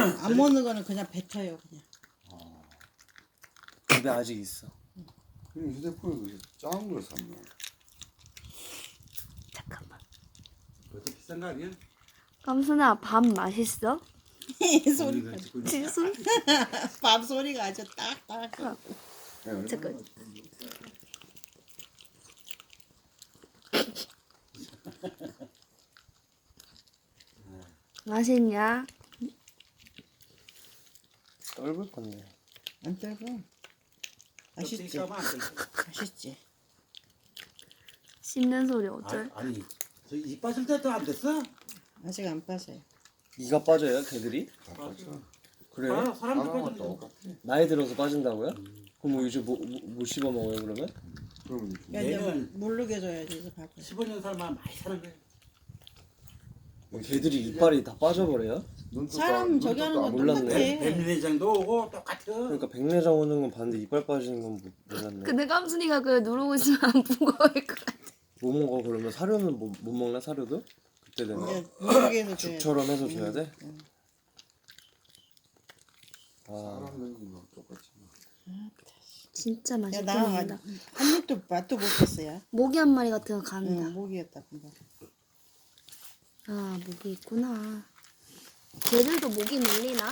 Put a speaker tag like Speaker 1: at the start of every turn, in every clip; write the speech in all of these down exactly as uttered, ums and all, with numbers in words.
Speaker 1: 안 먹는 거는 그냥 뱉어요 그냥.
Speaker 2: 집에 아직 있어.
Speaker 3: 그냥 휴대폰에 작은 걸 샀나?
Speaker 4: 잠깐만.
Speaker 5: 그것도 비싼 거 아니야?
Speaker 4: 깜순아 밥 맛있어?
Speaker 1: 소리.
Speaker 5: 우리가 찍고 있는
Speaker 4: 지수?
Speaker 1: 밥 소리가 아주 딱딱.
Speaker 4: 잠깐. 맛있냐?
Speaker 2: 떨굴 건데.
Speaker 1: 안 떨고. 맛있지.
Speaker 5: 껍데기 까면 안 돼.
Speaker 1: 맛있지.
Speaker 4: 씹는 소리 어쩔?
Speaker 5: 아, 아니 저이 빠질 때도 안 됐어?
Speaker 1: 아직 안 빠져요.
Speaker 2: 이가 빠져요, 걔들이?
Speaker 3: 다 빠져.
Speaker 2: 그래요?
Speaker 5: 사람, 사람도
Speaker 3: 하나만
Speaker 5: 빠지는 거.
Speaker 3: 똑같아.
Speaker 2: 나이 들어서 빠진다고요? 그럼 뭐 이제 뭐, 뭐, 뭐 씹어 먹어요 그러면?
Speaker 3: 그러면
Speaker 1: 야, 이제
Speaker 5: 얘는-
Speaker 1: 모르게 줘야지 이제 밥을.
Speaker 5: 십오 년 살만 많이 사는 거야.
Speaker 2: 걔들이 이빨이 다 빠져버려요?
Speaker 3: 눈도
Speaker 1: 사람
Speaker 3: 다-
Speaker 1: 저기 하는
Speaker 3: 눈도
Speaker 1: 건
Speaker 3: 안
Speaker 1: 똑같아.
Speaker 3: 보이는데.
Speaker 5: 뱀내장도 오고 똑같아.
Speaker 2: 그러니까 백내장 오는 건 봤는데 이빨 빠지는 건 못- 몰랐네.
Speaker 4: 근데 깜순이가 그걸 누르고 있으면 안 무거울 것 같아.
Speaker 2: 뭐 먹어 그러면? 사료는 뭐, 못 먹나 사료도? 그때 되면?
Speaker 1: 이제 모르게 해서 줘야지.
Speaker 2: 죽처럼 해서 줘야 돼?
Speaker 1: 응.
Speaker 2: 아,
Speaker 3: 사람 눈도 똑같이.
Speaker 4: 진짜
Speaker 1: 야,
Speaker 4: 맛있게
Speaker 1: 나
Speaker 4: 먹는다.
Speaker 1: 한 입도 맛도 못 봤어요.
Speaker 4: 모기 한 마리 같은 거 간다.
Speaker 1: 응, 모기였다 금방.
Speaker 4: 아 모기 있구나. 걔들도 모기 물리나?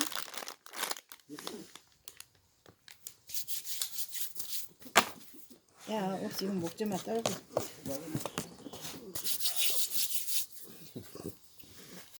Speaker 1: 야, 혹시 이거 먹지 마 떨고.